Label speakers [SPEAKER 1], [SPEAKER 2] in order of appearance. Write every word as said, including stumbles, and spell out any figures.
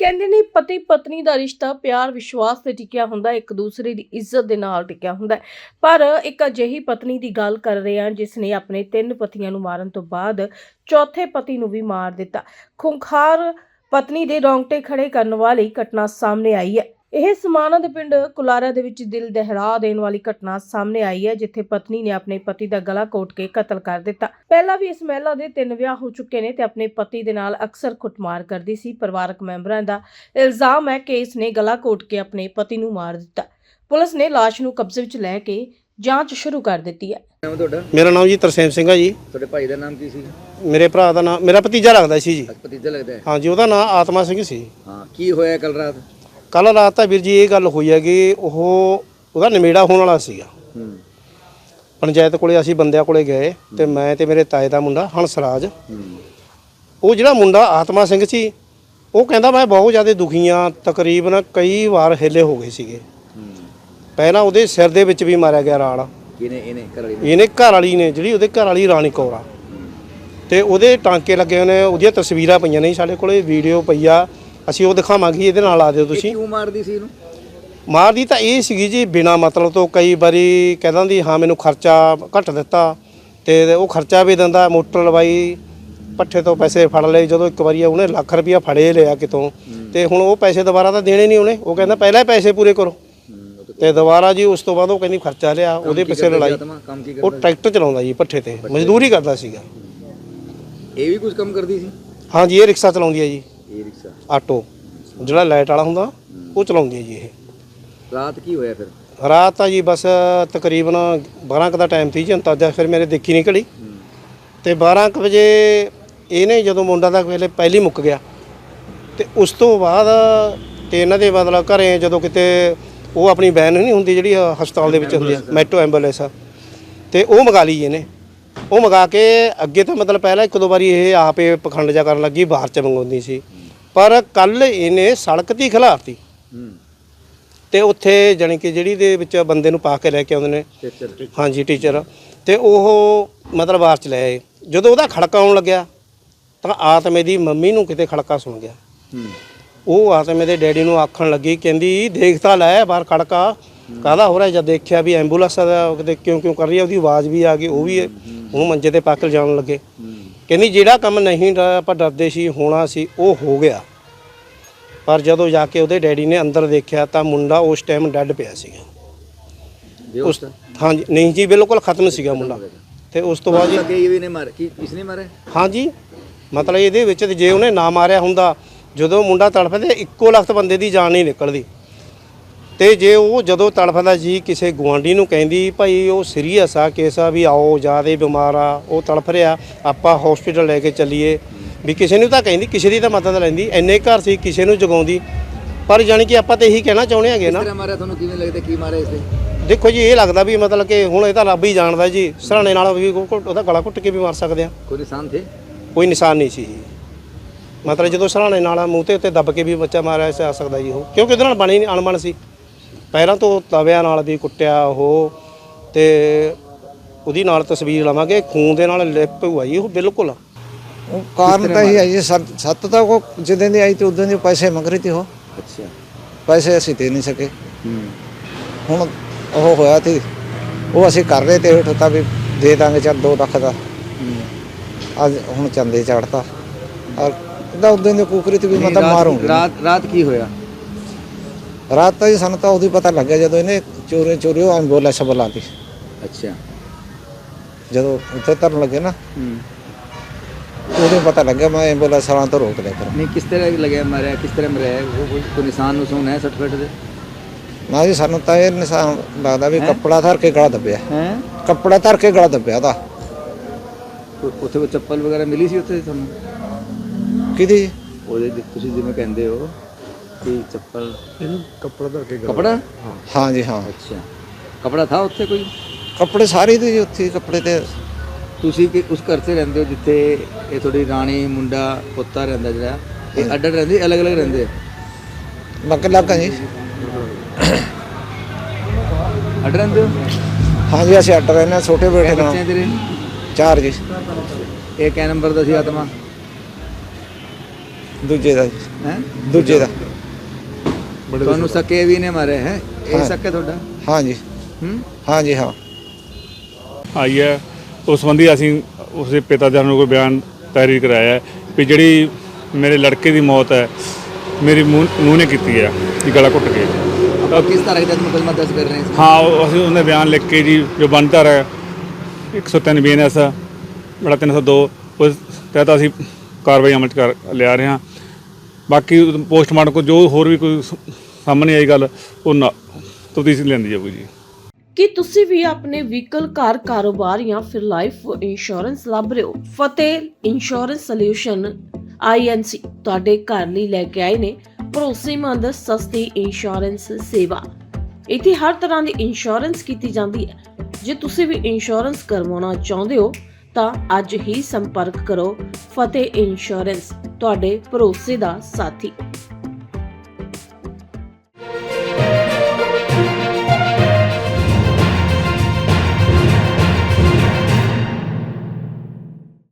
[SPEAKER 1] ਕਹਿੰਦੇ ਨੇ ਪਤੀ ਪਤਨੀ ਦਾ ਰਿਸ਼ਤਾ ਪਿਆਰ ਵਿਸ਼ਵਾਸ ਤੇ ਟਿਕਿਆ ਹੁੰਦਾ, ਇੱਕ ਦੂਸਰੇ ਦੀ ਇੱਜ਼ਤ ਦੇ ਨਾਲ ਟਿਕਿਆ ਹੁੰਦਾ। ਪਰ ਇੱਕ ਅਜਿਹੀ ਪਤਨੀ ਦੀ ਗੱਲ ਕਰ ਰਹੇ ਹਾਂ ਜਿਸ ਨੇ ਆਪਣੇ ਤਿੰਨ ਪਤੀਆਂ ਨੂੰ ਮਾਰਨ ਤੋਂ ਬਾਅਦ ਚੌਥੇ ਪਤੀ ਨੂੰ ਵੀ ਮਾਰ ਦਿੱਤਾ। ਖੁੰਖਾਰ ਪਤਨੀ ਦੇ ਰੌਂਗਟੇ ਖੜੇ ਕਰਨ ਵਾਲੀ ਘਟਨਾ ਸਾਹਮਣੇ ਆਈ ਹੈ। ਇਹ ਸਮਾਣਾ ਦੇ ਪਿੰਡ ਕੁਲਾਰਾ ਦੇ ਵਿੱਚ ਦਿਲ ਦਹਿਲਾ ਦੇਣ ਵਾਲੀ ਘਟਨਾ ਸਾਹਮਣੇ ਆਈ ਹੈ, ਜਿੱਥੇ ਪਤਨੀ ਨੇ ਆਪਣੇ ਪਤੀ ਦਾ ਗਲਾ ਘੋਟ ਕੇ ਕਤਲ ਕਰ ਦਿੱਤਾ। ਪਹਿਲਾਂ ਵੀ ਇਸ ਮਹਿਲਾ ਦੇ ਤਿੰਨ ਵਿਆਹ ਹੋ ਚੁੱਕੇ ਨੇ ਤੇ ਆਪਣੇ ਪਤੀ ਦੇ ਨਾਲ ਅਕਸਰ ਕੁੱਟਮਾਰ ਕਰਦੀ ਸੀ। ਪਰਿਵਾਰਕ ਮੈਂਬਰਾਂ ਦਾ ਇਲਜ਼ਾਮ ਹੈ ਕਿ ਇਸ ਨੇ ਗਲਾ ਘੋਟ ਕੇ ਆਪਣੇ ਪਤੀ ਨੂੰ ਮਾਰ ਦਿੱਤਾ। ਪੁਲਿਸ ਨੇ ਲਾਸ਼ ਨੂੰ ਕਬਜ਼ੇ ਵਿੱਚ ਲੈ ਕੇ ਜਾਂਚ ਸ਼ੁਰੂ ਕਰ ਦਿੱਤੀ ਹੈ।
[SPEAKER 2] ਮੇਰਾ ਨਾਮ ਜੀ ਤਰਸੇਮ ਸਿੰਘ ਹੈ ਜੀ।
[SPEAKER 3] ਤੁਹਾਡੇ ਭਾਈ ਦਾ ਨਾਮ ਕੀ ਸੀ?
[SPEAKER 2] ਮੇਰੇ ਭਰਾ ਦਾ ਨਾਮ ਮੇਰਾ ਭਤੀਜਾ ਲੱਗਦਾ ਸੀ ਜੀ।
[SPEAKER 3] ਭਤੀਜਾ ਲੱਗਦਾ ਹੈ?
[SPEAKER 2] ਹਾਂ ਜੀ, ਉਹਦਾ ਨਾਮ ਆਤਮਾ ਸਿੰਘ ਸੀ।
[SPEAKER 3] ਹਾਂ, ਕੀ ਹੋਇਆ ਕੱਲ ਰਾਤ?
[SPEAKER 2] ਕੱਲ ਰਾਤ ਤਾਂ ਵੀਰ ਜੀ ਇਹ ਗੱਲ ਹੋਈ ਹੈ ਕਿ ਉਹ ਉਹਦਾ ਨਿਮੇੜਾ ਹੋਣ ਵਾਲਾ ਸੀਗਾ।
[SPEAKER 3] ਹੂੰ।
[SPEAKER 2] ਪੰਚਾਇਤ ਕੋਲੇ ਅਸੀਂ ਬੰਦਿਆਂ ਕੋਲੇ ਗਏ ਤੇ ਮੈਂ ਤੇ ਮੇਰੇ ਤਾਏ ਦਾ ਮੁੰਡਾ ਹੰਸਰਾਜ।
[SPEAKER 3] ਹੂੰ।
[SPEAKER 2] ਉਹ ਜਿਹੜਾ ਮੁੰਡਾ ਆਤਮਾ ਸਿੰਘ ਸੀ ਉਹ ਕਹਿੰਦਾ ਮੈਂ ਬਹੁਤ ਜ਼ਿਆਦਾ ਦੁਖੀ ਹਾਂ, ਤਕਰੀਬਨ ਕਈ ਵਾਰ ਹਿੱਲੇ ਹੋ ਗਏ ਸੀਗੇ।
[SPEAKER 3] ਹੂੰ।
[SPEAKER 2] ਪਹਿਲਾਂ ਉਹਦੇ ਸਿਰ ਦੇ ਵਿੱਚ ਵੀ ਮਾਰਿਆ ਗਿਆ ਰਾੜ।
[SPEAKER 3] ਇਹਨੇ ਇਹਨੇ ਘਰ ਵਾਲੀ ਨੇ
[SPEAKER 2] ਇਹਨੇ ਘਰ ਵਾਲੀ ਨੇ, ਜਿਹੜੀ ਉਹਦੇ ਘਰ ਵਾਲੀ ਰਾਣੀ ਕੌਰ ਆ, ਤੇ ਉਹਦੇ ਟਾਂਕੇ ਲੱਗੇ ਹੋਏ ਨੇ। ਉਹਦੀਆਂ ਤਸਵੀਰਾਂ ਪਈਆਂ ਨੇ ਸਾਡੇ ਕੋਲੇ, ਵੀਡੀਓ ਪਈ ਆ, ਅਸੀਂ ਉਹ ਦਿਖਾਵਾਂਗੇ। ਇਹਦੇ ਨਾਲ ਆ ਦਿਓ ਤੁਸੀਂ।
[SPEAKER 3] ਕਿਉਂ ਮਾਰਦੀ ਸੀ ਇਹਨੂੰ?
[SPEAKER 2] ਮਾਰਦੀ ਤਾਂ ਇਹ ਸੀਗੀ ਜੀ ਬਿਨਾ ਮਤਲਬ ਤੋਂ। ਕਈ ਵਾਰੀ ਕਹਿ ਦਿੰਦੀ ਹਾਂ ਮੈਨੂੰ ਖਰਚਾ ਘੱਟ ਦਿੱਤਾ, ਤੇ ਉਹ ਖਰਚਾ ਵੀ ਦਿੰਦਾ। ਮੋਟਰ ਲਵਾਈ, ਪੱਠੇ ਤੋਂ ਪੈਸੇ ਫੜ ਲਏ। ਜਦੋਂ ਇੱਕ ਵਾਰੀ ਉਹਨੇ ਲੱਖ ਰੁਪਇਆ ਫੜੇ ਲਿਆ ਕਿਤੋਂ, ਤੇ ਹੁਣ ਉਹ ਪੈਸੇ ਦੁਬਾਰਾ ਤਾਂ ਦੇਣੇ ਨਹੀਂ ਉਹਨੇ। ਉਹ ਕਹਿੰਦਾ ਪਹਿਲਾਂ ਹੀ ਪੈਸੇ ਪੂਰੇ ਕਰੋ, ਤੇ ਦੁਬਾਰਾ ਜੀ ਉਸ ਤੋਂ ਬਾਅਦ ਉਹ ਕਹਿੰਦੀ ਖਰਚਾ ਲਿਆ। ਉਹਦੇ ਪਿੱਛੇ ਲੜਾਈ। ਉਹ ਟਰੈਕਟਰ ਚਲਾਉਂਦਾ ਜੀ, ਭੱਠੇ ਤੇ ਮਜ਼ਦੂਰੀ ਕਰਦਾ ਸੀਗਾ।
[SPEAKER 3] ਇਹ ਵੀ ਕੁਝ ਕੰਮ ਕਰਦੀ ਸੀ?
[SPEAKER 2] ਹਾਂ ਜੀ, ਇਹ ਰਿਕਸ਼ਾ ਚਲਾਉਂਦੀ ਹੈ ਜੀ।
[SPEAKER 3] ਇਹ ਰਿਕਸ਼ਾ
[SPEAKER 2] ਆਟੋ ਜਿਹੜਾ ਲਾਈਟ ਵਾਲਾ ਹੁੰਦਾ ਉਹ ਚਲਾਉਂਦੀ ਹੈ ਜੀ। ਇਹ
[SPEAKER 3] ਰਾਤ ਕੀ ਹੋਇਆ ਫਿਰ?
[SPEAKER 2] ਰਾਤ ਤਾਂ ਜੀ ਬਸ ਤਕਰੀਬਨ ਬਾਰਾਂ ਕੁ ਦਾ ਟਾਈਮ ਸੀ ਜੀ ਅੰਦਾਜ਼ਾ। ਫਿਰ ਮੇਰੇ ਦੇਖੀ ਨਹੀਂ ਘੜੀ, ਤੇ ਬਾਰਾਂ ਕੁ ਵਜੇ ਇਹਨੇ ਜਦੋਂ ਮੁੰਡਾ ਦਾ ਵੇਲੇ ਪਹਿਲੀ ਮੁੱਕ ਗਿਆ, ਤੇ ਉਸ ਤੋਂ ਬਾਅਦ ਤੇ ਇਹਨਾਂ ਦੇ ਮਤਲਬ ਘਰੇ ਜਦੋਂ ਕਿਤੇ ਉਹ ਆਪਣੀ ਵੈਨ ਨਹੀਂ ਹੁੰਦੀ ਜਿਹੜੀ ਹਸਪਤਾਲ ਦੇ ਵਿੱਚ ਹੁੰਦੀ ਹੈ, ਮੈਟਰੋ ਐਂਬੂਲੈਂਸ, ਤੇ ਉਹ ਮੰਗਾ ਲਈ ਇਹਨੇ। ਉਹ ਮੰਗਾ ਕੇ ਅੱਗੇ ਤਾਂ ਮਤਲਬ ਪਹਿਲਾਂ ਇੱਕ ਦੋ ਵਾਰੀ ਇਹ ਆਪੇ ਪਖੰਡ ਜਾ ਕਰਨ ਲੱਗੀ, ਬਾਹਰ ਚ ਮੰਗਵਾਉਂਦੀ ਸੀ। ਪਰ ਕੱਲ ਇਹਨੇ ਸੜਕ ਦੀ ਖਿਲਾਰਤੀ, ਤੇ ਉੱਥੇ ਜਾਣੀ ਕਿ ਜਿਹੜੀ ਦੇ ਵਿੱਚ ਬੰਦੇ ਨੂੰ ਪਾ ਕੇ ਲੈ ਕੇ ਆਉਂਦੇ ਨੇ, ਹਾਂਜੀ ਟੀਚਰ, ਤੇ ਉਹ ਮਤਲਬ ਬਾਹਰ ਚ ਲੈ ਆਏ। ਜਦੋਂ ਉਹਦਾ ਖੜਕਾ ਆਉਣ ਲੱਗਿਆ ਤਾਂ ਆਤਮੇ ਦੀ ਮੰਮੀ ਨੂੰ ਕਿਤੇ ਖੜਕਾ ਸੁਣ ਗਿਆ। ਉਹ ਆਤਮੇ ਦੇ ਡੈਡੀ ਨੂੰ ਆਖਣ ਲੱਗੀ, ਕਹਿੰਦੀ ਦੇਖ ਤਾਂ ਲੈ ਬਾਹਰ ਖੜਕਾ ਕਾਹਦਾ ਹੋ ਰਿਹਾ। ਜਦ ਦੇਖਿਆ ਵੀ ਐਂਬੂਲੈਂਸ ਦਾ ਕਿਤੇ ਕਿਉਂ ਕਿਉਂ ਕਰ ਰਹੀ ਹੈ, ਉਹਦੀ ਆਵਾਜ਼ ਵੀ ਆ ਗਈ। ਉਹ ਵੀ ਉਹਨੂੰ ਮੰਜੇ ਤੇ ਪਾ ਕੇ ਜਾਣ ਲੱਗੇ। ਕਹਿੰਦੀ ਜਿਹੜਾ ਕੰਮ ਨਹੀਂ ਆਪਾਂ ਡਰਦੇ ਸੀ ਹੋਣਾ ਸੀ ਉਹ ਹੋ ਗਿਆ। ਪਰ ਜਦੋਂ ਜਾ ਕੇ ਉਹਦੇ ਡੈਡੀ ਨੇ ਅੰਦਰ ਦੇਖਿਆ ਤਾਂ ਮੁੰਡਾ ਉਸ ਟਾਈਮ ਡੈੱਡ ਪਿਆ ਸੀਗਾ। ਉਸ ਹਾਂਜੀ ਨਹੀਂ ਜੀ, ਬਿਲਕੁਲ ਖਤਮ ਸੀਗਾ ਮੁੰਡਾ। ਤੇ ਉਸ ਤੋਂ ਬਾਅਦ ਜੀ
[SPEAKER 3] ਕਿਸਨੇ ਮਾਰਿਆ?
[SPEAKER 2] ਹਾਂਜੀ, ਮਤਲਬ ਇਹਦੇ ਵਿੱਚ ਜੇ ਉਹਨੇ ਨਾ ਮਾਰਿਆ ਹੁੰਦਾ, ਜਦੋਂ ਮੁੰਡਾ ਤੜਫਦਾ ਇੱਕੋ ਲਖਤ ਬੰਦੇ ਦੀ ਜਾਨ ਨਹੀਂ ਨਿਕਲਦੀ। ਤੇ ਜੇ ਉਹ ਜਦੋਂ ਤੜਫਦਾ ਜੀ ਕਿਸੇ ਗੁਆਂਢੀ ਨੂੰ ਕਹਿੰਦੀ ਭਾਈ ਉਹ ਸੀਰੀਅਸ ਆ ਕੇਸ ਆ, ਵੀ ਆਓ ਜ਼ਿਆਦਾ ਬਿਮਾਰ ਆ, ਉਹ ਤੜਫ ਰਿਹਾ, ਆਪਾਂ ਹੌਸਪੀਟਲ ਲੈ ਕੇ ਚੱਲੀਏ, ਵੀ ਕਿਸੇ ਨੂੰ ਤਾਂ ਕਹਿੰਦੀ, ਕਿਸੇ ਦੀ ਤਾਂ ਮਦਦ ਲੈਂਦੀ। ਇੰਨੇ ਘਰ ਸੀ, ਕਿਸੇ ਨੂੰ ਜਗਾਉਂਦੀ। ਪਰ ਜਾਣੀ ਕਿ ਆਪਾਂ ਤਾਂ ਇਹੀ ਕਹਿਣਾ ਚਾਹੁੰਦੇ ਹੈਗੇ ਨਾ।
[SPEAKER 3] ਮਾਰਿਆ ਤੁਹਾਨੂੰ ਕਿਵੇਂ ਲੱਗਦਾ, ਕੀ ਮਾਰਿਆ ਇਸ ਤੇ?
[SPEAKER 2] ਦੇਖੋ ਜੀ, ਇਹ ਲੱਗਦਾ ਵੀ ਮਤਲਬ ਕਿ ਹੁਣ ਇਹ ਤਾਂ ਰੱਬ ਹੀ ਜਾਣਦਾ ਜੀ। ਸਰਾਣੇ ਨਾਲ ਵੀ ਉਹਦਾ ਗਲਾ ਘੁੱਟ ਕੇ ਵੀ ਮਾਰ ਸਕਦੇ ਆ।
[SPEAKER 3] ਕੋਈ ਨਿਸ਼ਾਨ ਥੇ?
[SPEAKER 2] ਕੋਈ ਨਿਸ਼ਾਨ ਨਹੀਂ ਸੀ ਜੀ। ਮਤਲਬ ਜਦੋਂ ਸਰਾਣੇ ਨਾਲ ਮੂੰਹ ਤੇ ਉੱਤੇ ਦੱਬ ਕੇ ਵੀ ਬੱਚਾ ਮਾਰਿਆ ਜਾ ਸਕਦਾ ਜੀ ਉਹ, ਕਿਉਂਕਿ ਉਹਦੇ ਨਾਲ ਬਣੀ ਨਹੀਂ ਅਣਬਣ ਸੀ। ਪਹਿਲਾਂ ਤੋਂ ਤਵਿਆਂ ਨਾਲ ਵੀ ਕੁੱਟਿਆ ਉਹ, ਤੇ ਉਹਦੀ ਨਾਲ ਤਸਵੀਰ ਲਵਾਂਗੇ, ਖੂਨ ਦੇ ਨਾਲ ਲਿਪ ਹੋਈ ਜੀ ਉਹ ਬਿਲਕੁਲ।
[SPEAKER 4] ਉਹ ਕਾਰਨ ਤਾਂ ਇਹ ਹੈ ਜੀ, ਸੱਤ ਤਾਂ ਉਹ ਜਿੱਦਾਂ ਦੀ ਆਈ ਤੇ ਉਦੋਂ ਦੇ ਪੈਸੇ ਮੰਗ ਰਹੀ ਤੀ ਉਹ।
[SPEAKER 3] ਅੱਛਾ। ਪੈਸੇ
[SPEAKER 4] ਅਸੀਂ ਦੇ ਨਹੀਂ ਸਕੇ। ਹੁਣ ਉਹ ਹੋਇਆ ਤੇ ਉਹ ਅਸੀਂ ਕਰ ਰਹੇ ਤੇ ਹੇਠ ਤਾਂ ਵੀ ਦੇ ਦਾਂਗੇ ਚੱਲ ਦੋ ਲੱਖ ਦਾ। ਅੱਜ ਹੁਣ ਚੰਦੇ ਚੜਤਾ ਉਹਦਾ ਉਦੋਂ ਦੇ ਕੁਕਰੀ ਤੇ ਵੀ ਮਤਲਬ ਮਾਰੂੰਗੀ।
[SPEAKER 3] ਰਾਤ ਰਾਤ ਕੀ ਹੋਇਆ?
[SPEAKER 4] ਰਾਤ ਤਾਂ ਜੀ ਸਾਨੂੰ ਤਾਂ ਉਦੋਂ ਪਤਾ ਲੱਗਿਆ ਜਦੋਂ ਇਹਨੇ ਚੋਰੀ ਚੋਰੀ ਉਹ ਐਂਬੂਲੈਂਸ ਬੁਲਾਤੀ।
[SPEAKER 3] ਅੱਛਾ। ਜਦੋਂ
[SPEAKER 4] ਉੱਥੇ ਧਰਨ ਲੱਗੇ ਨਾ ਉਦੋਂ ਪਤਾ ਲੱਗਿਆ। ਮੈਂ ਐਂਬੂਲੈਂਸ ਵਾਲਾਂ ਤੋਂ ਰੋਕ ਲਿਆ ਕਰ।
[SPEAKER 3] ਨਹੀਂ, ਕਿਸ ਤਰ੍ਹਾਂ ਲੱਗਿਆ ਮਾਰਿਆ, ਕਿਸ ਤਰ੍ਹਾਂ ਮਰਿਆ? ਕੋਈ ਨਿਸ਼ਾਨ ਨੁਸ਼ਾਨ ਹੈ ਸਰਟੀਫਿਕੇਟ ਦੇ?
[SPEAKER 4] ਨਾ ਜੀ, ਸਾਨੂੰ ਤਾਂ ਇਹ ਨਿਸ਼ਾਨ ਲੱਗਦਾ ਵੀ ਕੱਪੜਾ ਧਰ ਕੇ ਗਲਾ ਦੱਬਿਆ।
[SPEAKER 3] ਹੈ
[SPEAKER 4] ਕੱਪੜਾ ਧਰ ਕੇ ਗਲਾ ਦੱਬਿਆ ਉਹਦਾ।
[SPEAKER 3] ਉੱਥੇ ਕੋਈ ਚੱਪਲ ਵਗੈਰਾ ਮਿਲੀ ਸੀ ਉੱਥੇ ਤੁਹਾਨੂੰ?
[SPEAKER 4] ਕਿਹਦੀ?
[SPEAKER 3] ਉਹਦੇ ਤੁਸੀਂ ਜਿਵੇਂ ਕਹਿੰਦੇ ਹੋ ਕਿ ਚੱਪਲ,
[SPEAKER 2] ਕੱਪੜਾ ਧਰ ਕੇ
[SPEAKER 3] ਕੱਪੜਾ?
[SPEAKER 4] ਹਾਂ ਜੀ ਹਾਂ।
[SPEAKER 3] ਅੱਛਾ, ਕੱਪੜਾ ਥਾ ਉੱਥੇ ਕੋਈ?
[SPEAKER 4] ਕੱਪੜੇ ਸਾਰੇ ਦੇ ਜੀ ਉੱਥੇ ਕੱਪੜੇ ਤੇ।
[SPEAKER 3] ਤੁਸੀਂ ਕਿ ਉਸ ਘਰ 'ਚ ਰਹਿੰਦੇ ਹੋ ਜਿੱਥੇ ਇਹ ਤੁਹਾਡੀ ਰਾਣੀ ਮੁੰਡਾ ਪੁੱਤਾ ਰਹਿੰਦਾ, ਜਿਹੜਾ ਇਹ ਅੱਡ ਅੱਡ ਰਹਿੰਦੇ ਅਲੱਗ ਅਲੱਗ ਰਹਿੰਦੇ?
[SPEAKER 4] ਲੱਗ ਲੱਗ ਜੀ।
[SPEAKER 3] ਅੱਡ ਰਹਿੰਦੇ ਹੋ?
[SPEAKER 4] ਹਾਂ ਜੀ, ਅਸੀਂ ਅੱਡ ਰਹਿੰਦੇ ਹਾਂ ਛੋਟੇ ਬੇਟੇ ਨਾਲ।
[SPEAKER 3] ਬੱਚੇ ਤੇਰੇ?
[SPEAKER 4] ਚਾਰ ਜੀ।
[SPEAKER 3] ਇਹ ਕਿਆ ਨੰਬਰ ਦਾ ਸੀ ਆਤਮਾ?
[SPEAKER 4] ਦੂਜੇ ਦਾ ਜੀ,
[SPEAKER 3] ਹੈ
[SPEAKER 4] ਦੂਜੇ ਦਾ
[SPEAKER 3] ਤੁਹਾਨੂੰ ਸਕੇ ਵੀ ਨੇ ਮਾਰੇ ਹੈ ਇਹ
[SPEAKER 4] ਹਾਂ।
[SPEAKER 3] ਸਕੇ ਤੁਹਾਡਾ
[SPEAKER 4] ਹਾਂਜੀ
[SPEAKER 3] ਹੂੰ
[SPEAKER 4] ਹਾਂਜੀ ਹਾਂ
[SPEAKER 5] ਆਈ ਹੈ। ਉਸ ਸੰਬੰਧੀ ਅਸੀਂ ਉਸਦੇ ਪਿਤਾ ਜੀ ਨੂੰ ਕੋਈ ਬਿਆਨ ਤਹਿਰੀਰ ਕਰਾਇਆ ਹੈ ਵੀ ਜਿਹੜੀ ਮੇਰੇ ਲੜਕੇ ਦੀ ਮੌਤ ਹੈ ਮੇਰੀ ਨੂੰਹ ਨੇ ਕੀਤੀ ਹੈ ਜੀ, ਗਲਾ ਘੁੱਟ ਕੇ।
[SPEAKER 3] ਆਪਾਂ ਕਿਸ ਤਰ੍ਹਾਂ ਦਾ ਮੁਕੱਦਮਾ ਦਰਜ ਕਰ ਰਹੇ ਸੀ?
[SPEAKER 5] ਹਾਂ ਉਹ ਅਸੀਂ ਉਹਨੇ ਬਿਆਨ ਲਿਖ ਕੇ ਜੀ ਜੋ ਬਣਦਾ ਹੈ ਇੱਕ ਸੌ ਤਿੰਨ ਬੀ ਐਨ ਐਸ ਬੜਾ ਤਿੰਨ ਸੌ ਦੋ ਉਸ ਤਹਿਤ ਅਸੀਂ ਕਾਰਵਾਈ ਅਮਲ 'ਚ ਕਰ ਲਿਆ ਰਹੇ ਹਾਂ। ਬਾਕੀ ਪੋਸਟਮਾਰਟਮ ਕੋ ਜੋ ਹੋਰ ਵੀ ਕੋਈ ਸ- ਸਾਹਮਣੇ ਆਈ ਗੱਲ ਉਹ ਨਾ ਤਫਤੀਸ਼ ਲੈਂਦੀ ਜਾਊਗੀ ਜੀ।
[SPEAKER 1] ਕੀ ਤੁਸੀਂ ਵੀ ਆਪਣੇ ਵਹੀਕਲ ਕਾਰ ਕਾਰੋਬਾਰ ਜਾਂ ਫਿਰ ਲਾਈਫ ਇੰਸ਼ੋਰੈਂਸ ਲੱਭ ਰਹੇ ਹੋ? ਫਤਿਹ ਇੰਸ਼ੋਰੈਂਸ ਸੋਲਿਊਸ਼ਨ ਆਈ ਐਨ ਸੀ ਤੁਹਾਡੇ ਘਰ ਲਈ ਲੈ ਕੇ ਆਏ ਨੇ ਭਰੋਸੇਮੰਦ ਸਸਤੀ ਇੰਸ਼ੋਰੈਂਸ ਸੇਵਾ। ਇੱਥੇ ਹਰ ਤਰ੍ਹਾਂ ਦੀ ਇੰਸ਼ੋਰੈਂਸ ਕੀਤੀ ਜਾਂਦੀ ਹੈ। ਜੇ ਤੁਸੀਂ ਵੀ ਇੰਸ਼ੋਰੈਂਸ ਕਰਵਾਉਣਾ ਚਾਹੁੰਦੇ ਹੋ ਤਾਂ ਅੱਜ ਹੀ ਸੰਪਰਕ ਕਰੋ ਫਤਿਹ ਇੰਸ਼ੋਰੈਂਸ, ਤੁਹਾਡੇ ਭਰੋਸੇ ਦਾ ਸਾਥੀ।